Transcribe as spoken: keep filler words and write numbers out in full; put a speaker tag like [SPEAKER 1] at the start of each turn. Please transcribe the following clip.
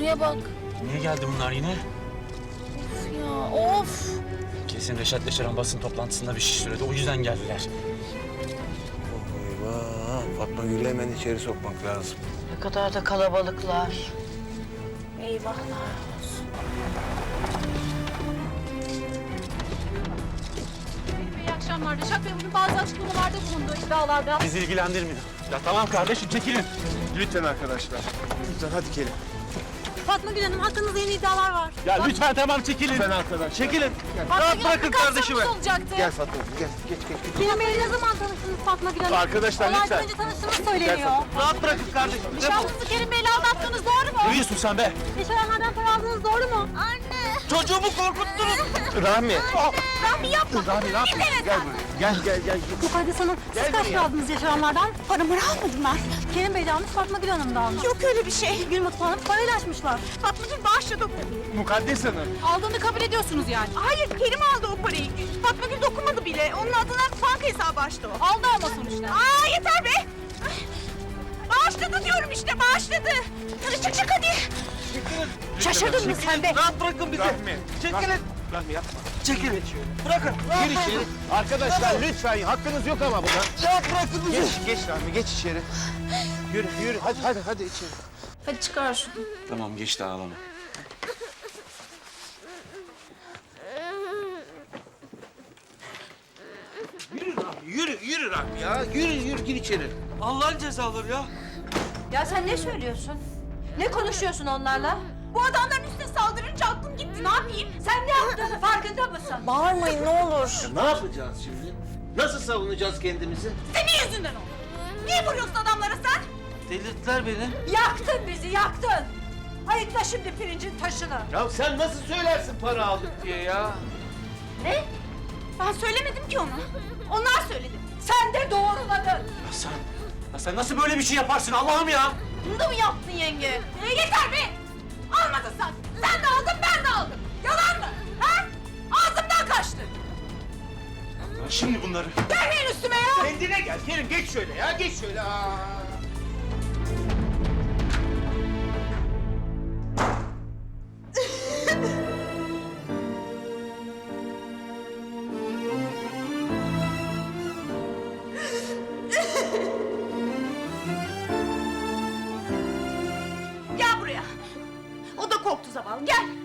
[SPEAKER 1] Ali'ye bak.
[SPEAKER 2] Niye geldi bunlar yine?
[SPEAKER 1] Of ya of.
[SPEAKER 2] Kesin Reşat Yaşar'ın basın toplantısında bir şey söyledi. O yüzden geldiler.
[SPEAKER 3] Eyvah! Fatma Gül'ü hemen içeri sokmak lazım.
[SPEAKER 4] Ne kadar da kalabalıklar.
[SPEAKER 1] Eyvahlar olsun.
[SPEAKER 5] İyi akşamlar. Reşat Bey bugün bazı açıklamalarda bulundu iddialarda.
[SPEAKER 2] Bizi ilgilendirmiyor. Ya tamam kardeşim çekilin.
[SPEAKER 3] Lütfen arkadaşlar. Lütfen hadi gelin.
[SPEAKER 5] Fatma Gül Hanım hakkınızda yeni iddialar var.
[SPEAKER 2] Ya lütfen tamam çekilin.
[SPEAKER 3] Lütfen arkadaşlar.
[SPEAKER 2] Çekilin.
[SPEAKER 5] Fatma Gül
[SPEAKER 2] bırakın
[SPEAKER 5] Hanım
[SPEAKER 2] kardeşimi.
[SPEAKER 5] kardeşimi. olacaktı.
[SPEAKER 3] Gel Fatma gel. Geç geç geç.
[SPEAKER 5] Kerim Bey'le ne zaman tanıştınız Fatma Gül Hanım?
[SPEAKER 3] Arkadaşlar,
[SPEAKER 5] Olaydan
[SPEAKER 3] lütfen.
[SPEAKER 5] önce tanıştığınız söyleniyor.
[SPEAKER 2] Rahat bırakın kardeşim.
[SPEAKER 5] Nişanlınızı Kerim Bey'le aldattınız doğru mu?
[SPEAKER 2] Ne diyorsun sen be?
[SPEAKER 5] Nişanhaneden para aldınız doğru mu? Anne.
[SPEAKER 2] Çocuğumu korkuttunuz.
[SPEAKER 3] Rahmi.
[SPEAKER 5] Rahmi yapma.
[SPEAKER 3] Rahmi ne yapıyorsun? Gel buraya. Gel gel gel.
[SPEAKER 5] Mukaddes Hanım siz kaç para aldınız yaşayanlardan? Paramı almadım ben. Kerim Bey de almış Fatma Gül Hanım da almış. Yok öyle bir şey. Gül Mutlu Hanım parayla açmışlar. Fatma Gül bağışladı o parayı.
[SPEAKER 3] Mukaddes Hanım.
[SPEAKER 5] Aldığını kabul ediyorsunuz yani.
[SPEAKER 6] Hayır, Kerim aldı o parayı. Fatma Gül dokunmadı bile. Onun adına banka hesabı açtı o.
[SPEAKER 5] Aldı ama sonuçta.
[SPEAKER 6] Aa yeter be! Bağışladı diyorum işte, bağışladı. Hadi çık çık hadi.
[SPEAKER 5] Şaşırdın mı sen be?
[SPEAKER 2] Rahat bırakın bizi.
[SPEAKER 3] Rahmi.
[SPEAKER 2] Çekilin.
[SPEAKER 3] Rahmi yapma.
[SPEAKER 2] Çekilin. Bırakın.
[SPEAKER 3] Gir içeri. Arkadaşlar lütfen hakkınız yok ama buna.
[SPEAKER 2] Rahat bırakın bizi.
[SPEAKER 3] Geç geç Rahmi geç içeri. Yürü yürü hadi hadi hadi içeri.
[SPEAKER 1] Hadi çıkar şunu.
[SPEAKER 2] Tamam geçti ağlama.
[SPEAKER 3] Yürü Rahmi yürü yürü Rahmi ya. Yürü yürü gir içeri.
[SPEAKER 2] Allah'ın cezaları ya.
[SPEAKER 4] Ya sen ne söylüyorsun? Ne konuşuyorsun onlarla?
[SPEAKER 6] Bu adamların üstüne saldırınca aklım gitti. Ne yapayım?
[SPEAKER 4] Sen ne yaptığını farkında mısın?
[SPEAKER 1] Bağırmayın ne olur.
[SPEAKER 3] Ne yapacağız şimdi? Nasıl savunacağız kendimizi?
[SPEAKER 6] Senin yüzünden oldu. Niye vuruyorsun adamlara sen?
[SPEAKER 2] Delirttiler beni.
[SPEAKER 4] Yaktın bizi, yaktın. Ayıkla şimdi pirincin taşını.
[SPEAKER 3] Ya sen nasıl söylersin para aldık diye ya?
[SPEAKER 6] Ne? Ben söylemedim ki onu. Onlar söyledi.
[SPEAKER 4] Sen de doğruladın.
[SPEAKER 2] Ya sen, ya sen nasıl böyle bir şey yaparsın Allah'ım ya?
[SPEAKER 6] Bunu da mı yaptın yenge? E, yeter be! Almadın sen. Sen de aldın, ben de aldım. Yalan mı? Ha? Ağzımdan kaçtı.
[SPEAKER 2] Ya şimdi bunları.
[SPEAKER 6] Gelmeyin üstüme ya!
[SPEAKER 3] Kendine gel Kerim geç şöyle ya geç şöyle. Aa.
[SPEAKER 6] Gel buraya. O da korktu zavallı. Gel.